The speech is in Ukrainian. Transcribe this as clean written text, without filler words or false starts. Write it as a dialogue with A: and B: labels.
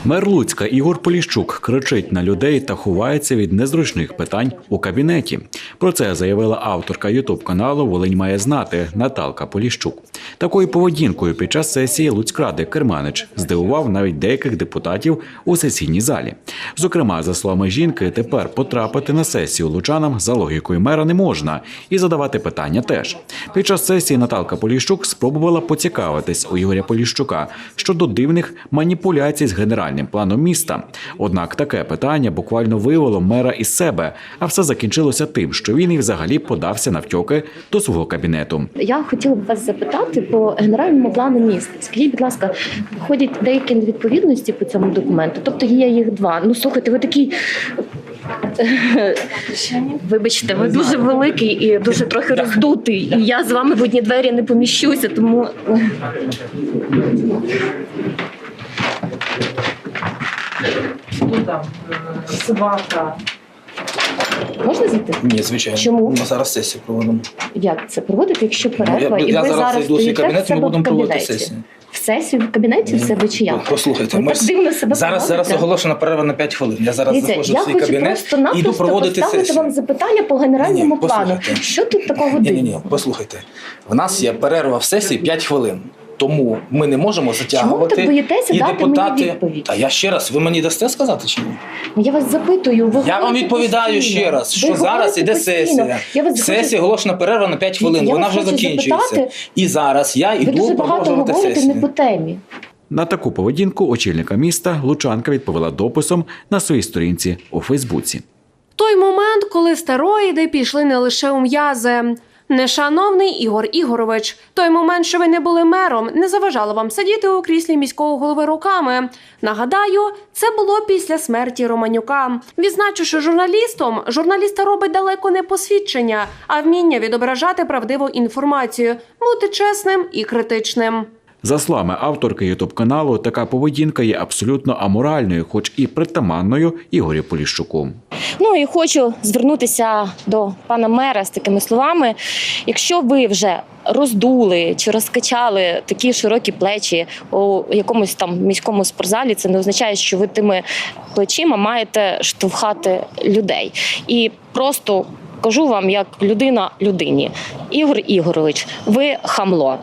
A: Мер Луцька Ігор Поліщук кричить на людей та ховається від незручних питань у кабінеті. Про це заявила авторка ютуб-каналу «Волинь має знати» Наталка Поліщук. Такою поведінкою під час сесії Луцькради Керманич здивував навіть деяких депутатів у сесійній залі. Зокрема, за словами жінки, тепер потрапити на сесію лучанам за логікою мера не можна і задавати питання теж. Під час сесії Наталка Поліщук спробувала поцікавитись у Ігоря Поліщука щодо дивних маніпуляцій з генеральним планом міста. Однак таке питання буквально вивело мера із себе, а все закінчилося тим, що він і взагалі подався навтьоки до свого кабінету.
B: Я хотіла б вас запитати по генеральному плану міста. Скажіть, будь ласка, виходять деякі невідповідності по цьому документу? Тобто є їх два. Ну, слухайте, ви такий... Вибачте, ви дуже великий і дуже трохи роздутий. І я з вами в одні двері не поміщуся, тому...
C: Собака.
B: Можна зайти?
D: Ні, звичайно.
B: Чому?
D: Ми зараз сесію проводимо.
B: Як це проводити, якщо перерва?
D: Я
B: ви
D: зараз зайду в свій
B: стоїте
D: кабінет, і
B: себе
D: ми будемо
B: в
D: проводити
B: кабінеті?
D: сесію.
B: В сесію в кабінеті в себе чи як?
D: Послухайте,
B: Ви так дивно себе
D: зараз
B: поводите.
D: оголошена перерва на 5 хвилин. Я зараз
B: Дивіться,
D: заходжу
B: я
D: в свій
B: хочу
D: кабінет і йду
B: просто-напросто
D: проводити
B: поставити
D: сесію.
B: вам запитання по генеральному плану.
D: послухайте.
B: Що тут такого дивного?
D: Ні, послухайте. В нас є перерва в сесії 5 хвилин. Тому ми не можемо затягувати.
B: Чому ви так боїтеся
D: і
B: дати
D: депутати...
B: мені відповідь?
D: Та я ще раз, ви мені дасте сказати чи ні?
B: Я вас запитую. Ви
D: Я вам
B: говорите
D: відповідаю
B: постійно.
D: ще раз,
B: Ви
D: що зараз
B: говорите
D: іде
B: постійно.
D: сесія.
B: Я вас
D: Сесія
B: хочу-
D: оголошена перерва на 5 хвилин.
B: Я
D: Вона
B: вас
D: вже
B: хочу
D: закінчується.
B: запитати.
D: І зараз я
B: Ви
D: йду
B: дуже багато
D: продовжувати
B: говорите
D: сесію.
B: не по темі.
A: На таку поведінку очільника міста лучанка відповіла дописом на своїй сторінці у Фейсбуці.
E: Той момент, коли стероїди пішли не лише у м'язи. Нешановний Ігор Ігорович, той момент, що ви не були мером, не заважало вам сидіти у кріслі міського голови роками. Нагадаю, це було після смерті Романюка. Відзначу, що журналіста робить далеко не посвідчення, а вміння відображати правдиву інформацію, бути чесним і критичним.
A: За словами авторки ютуб-каналу, така поведінка є абсолютно аморальною, хоч і притаманною Ігорю Поліщуку.
B: Ну і хочу звернутися до пана мера з такими словами. Якщо ви вже роздули чи розкачали такі широкі плечі у якомусь там міському спортзалі, це не означає, що ви тими плечима маєте штовхати людей. І просто кажу вам, як людина людині. Ігор Ігорович, ви хамло.